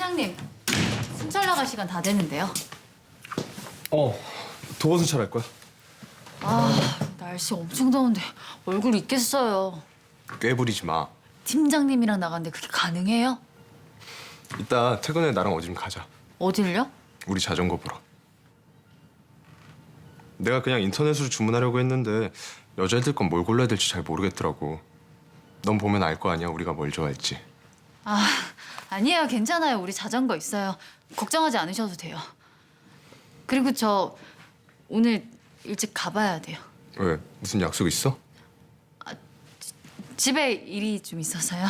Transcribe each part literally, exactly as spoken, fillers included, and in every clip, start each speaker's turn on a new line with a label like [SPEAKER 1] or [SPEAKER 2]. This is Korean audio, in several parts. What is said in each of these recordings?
[SPEAKER 1] 팀장님, 순찰 나갈 시간 다 됐는데요.
[SPEAKER 2] 어, 도어 순찰할 거야.
[SPEAKER 1] 아, 날씨 엄청 더운데 얼굴 있겠어요.
[SPEAKER 2] 꾀부리지 마.
[SPEAKER 1] 팀장님이랑 나갔는데 그게 가능해요?
[SPEAKER 2] 이따 퇴근에 나랑 어디 좀 가자.
[SPEAKER 1] 어딜요?
[SPEAKER 2] 우리 자전거 보러. 내가 그냥 인터넷으로 주문하려고 했는데 여자애들 건 뭘 골라야 될지 잘 모르겠더라고. 넌 보면 알 거 아니야, 우리가 뭘 좋아할지.
[SPEAKER 1] 아, 아니에요. 괜찮아요. 우리 자전거 있어요. 걱정하지 않으셔도 돼요. 그리고 저 오늘 일찍 가봐야 돼요.
[SPEAKER 2] 왜? 무슨 약속 있어?
[SPEAKER 1] 집에 일이 좀 있어서요.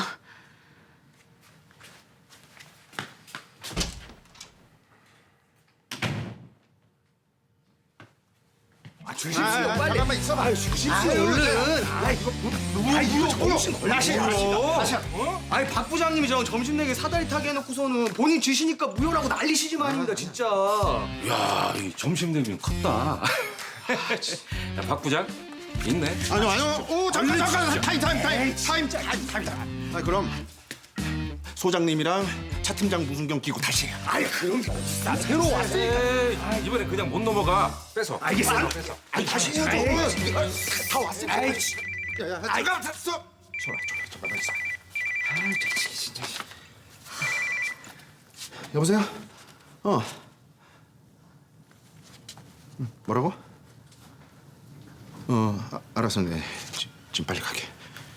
[SPEAKER 3] 주십시오, 빨리. 잠깐만 있어봐. 아유, 주십시오, 얼른. 아, 이거 뭐, 아, 이거 정신 걸리시고요.
[SPEAKER 4] 아니 박 부장님이 저 점심 내게 사다리 타게 해놓고서는 본인 주시니까 무효라고 난리시지 말입니다 진짜.
[SPEAKER 5] 야, 이 점심 대비는 컸다. 야, 박 부장 있네.
[SPEAKER 3] 아니요, 아니요. 오, 잠깐, 잠깐. 타임, 타임, 타임. 타임, 타임, 타임, 타임. 아, 그럼 소장님이랑 차 팀장 무순경 끼고 다시.
[SPEAKER 4] 아니 그럼 나 새로 왔어.
[SPEAKER 5] 에이, 아, 이번에 그냥 못 넘어가. 뺏어.
[SPEAKER 4] 알겠어.
[SPEAKER 5] 뺏어.
[SPEAKER 3] 아니, 다시 해야죠. 다 왔으니까. 야, 야, 잠깐, 스톱. 좋아, 좋아, 잠깐만 있어. 아, 진짜. 여보세요? 어. 응, 뭐라고? 어, 아, 알았어, 네. 지, 지금 빨리 가게.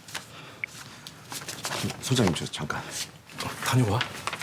[SPEAKER 3] 소장님, 저 잠깐.
[SPEAKER 5] 어, 다녀와.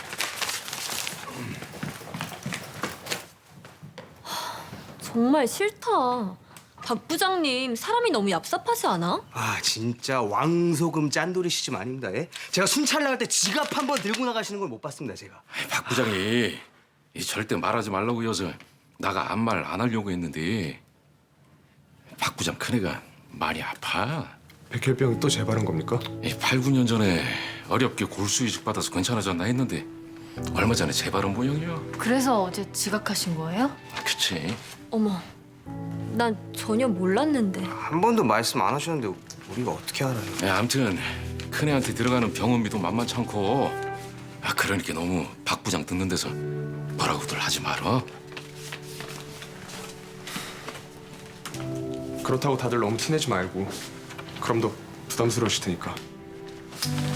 [SPEAKER 6] 정말 싫다. 박 부장님 사람이 너무 얍삽하지 않아?
[SPEAKER 4] 아 진짜 왕소금 짠돌이시지 말입니다. 예? 제가 순찰 나갈 때 지갑 한 번 들고 나가시는 걸 못 봤습니다 제가.
[SPEAKER 5] 아이, 박 부장이 이 절대 말하지 말라고 여서 나가 아무 말 안 하려고 했는데 박 부장 큰애가 많이 아파.
[SPEAKER 2] 백혈병이 또 재발한 겁니까?
[SPEAKER 5] 이 팔, 구 년 전에 어렵게 골수 이식 받아서 괜찮아졌나 했는데 얼마 전에 재발한 모양이야.
[SPEAKER 1] 그래서 어제 지각하신 거예요?
[SPEAKER 5] 아, 그치.
[SPEAKER 6] 어머, 난 전혀 몰랐는데.
[SPEAKER 4] 한 번도 말씀 안 하셨는데 우리가 어떻게 알아요?
[SPEAKER 5] 야, 아무튼 큰애한테 들어가는 병원비도 만만치 않고 아, 그러니까 너무 박 부장 듣는 데서 뭐라고들 하지 말어.
[SPEAKER 2] 그렇다고 다들 너무 티내지 말고. 그럼 더 부담스러우실 테니까.